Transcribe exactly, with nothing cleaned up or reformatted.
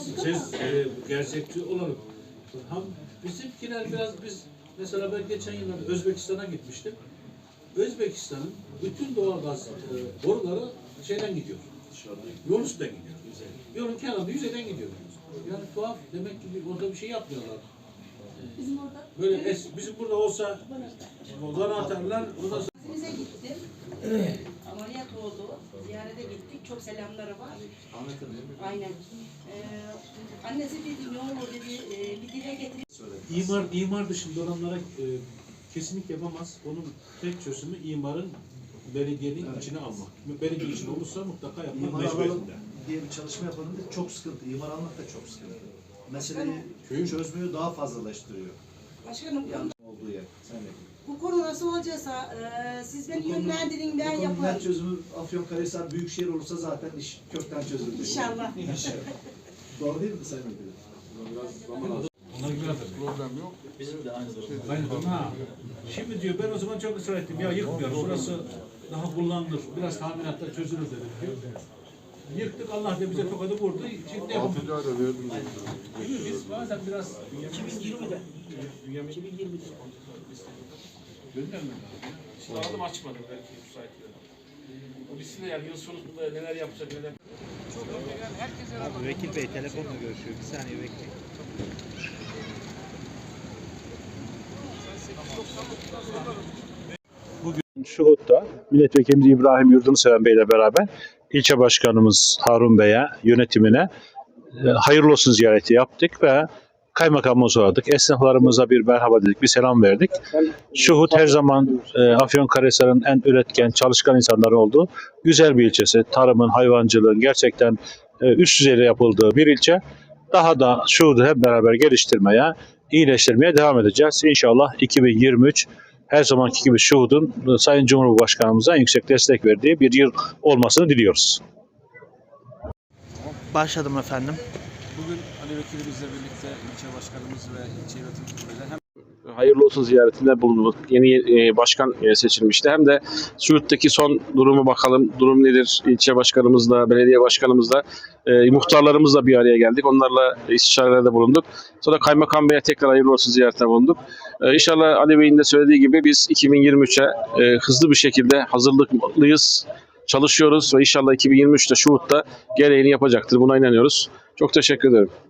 siz e, gerçekçi olalım. Ham, bizimkiler biraz biz mesela ben geçen yıllarda Özbekistan'a gitmiştim. Özbekistan'ın bütün doğalgaz e, boruları şeyden gidiyor. Yol üstünden gidiyor. Yolun kenarında yüzeyden gidiyor. Yani tuhaf, demek ki bir, orada bir şey yapmıyorlar. Bizim orada. Böyle es, bizim burada olsa bana atarlar. Ondan sonra... Bize gittim. Evet. Ameliyat oldu. Ziyarete gittik. Çok selamları var. Aynen. Ee, annesi dedi ne olur dedi e, bir dile getir. İmar, imar dışında olanlara e, kesinlikle yapamaz. Onun tek çözümü imarın belediyenin evet. içine almak. Belediye içine olursa mutlaka yapmak mecburiyetinde. Diye bir çalışma yapalım da çok sıkıntı. İmar almak da çok sıkıntı. Meseleyi köyün çözmeyi daha fazlalaştırıyor. Başkanım Olduğu yer. Sen de. bu konu nasıl olacaksa e, siz beni yönlendirin ben yaparım. Net çözümü Afyonkarahisar Büyükşehir olursa zaten iş kökten çözülür. İnşallah. Doğru değil mi Sayın Müdürüm? Biraz zaman alır. Onlar güzeldir. Problem yok. Bizim de aynı zamanda. Aynı ha. Şimdi diyor ben o zaman çok ısrar ettim. Ya yıkmıyoruz. Burası daha kullanılır. Biraz tahminatta çözülür dedim diyor. Yıktık, Allah da bize tokadı vurdu. Şimdi Altıncı ayda verdim. biz bazen biraz iki bin yirmide. iki bin yirmide. göndermem Şimdi aldım açmadım belki müsaitliğine. O bitsin de yani yıl sonunda neler yapacak neler. Abi Vekil Bey telefonla görüşüyor. Bir saniye bekleyin. Bugün Şuhut'ta Milletvekilimiz İbrahim Yurdunseven Bey ile beraber ilçe başkanımız Harun Bey'e, yönetimine e, hayırlı olsun ziyareti yaptık ve kaymakamımıza uğradık. Esnaflarımıza bir merhaba dedik, bir selam verdik. Şuhut her zaman e, Afyonkarahisar'ın en üretken, çalışkan insanların olduğu güzel bir ilçesi. Tarımın, hayvancılığın gerçekten e, üst düzeyde yapıldığı bir ilçe. Daha da Şuhut'u hep beraber geliştirmeye, iyileştirmeye devam edeceğiz. İnşallah iki bin yirmi üç her zamanki gibi Şuhut'un Sayın Cumhurbaşkanımıza en yüksek destek verdiği bir yıl olmasını diliyoruz. Başladım efendim. Bugün Ali Vekilimizle birlikte ilçe başkanımız ve ilçe yönetim kuruluyla hem hayırlı olsun ziyaretinde bulunduk. Yeni başkan seçilmişti. Hem de Şuhut'taki son durumu bakalım. Durum nedir? İlçe başkanımızla, belediye başkanımızla, e, muhtarlarımızla bir araya geldik. Onlarla istişarelerde bulunduk. Sonra Kaymakam Bey'e tekrar hayırlı olsun ziyaretine bulunduk. E, İnşallah Ali Bey'in de söylediği gibi biz iki bin yirmi üçe e, hızlı bir şekilde hazırlıklıyız. Çalışıyoruz ve inşallah iki bin yirmi üçte Şuhut'ta gereğini yapacaktır. Buna inanıyoruz. Çok teşekkür ederim.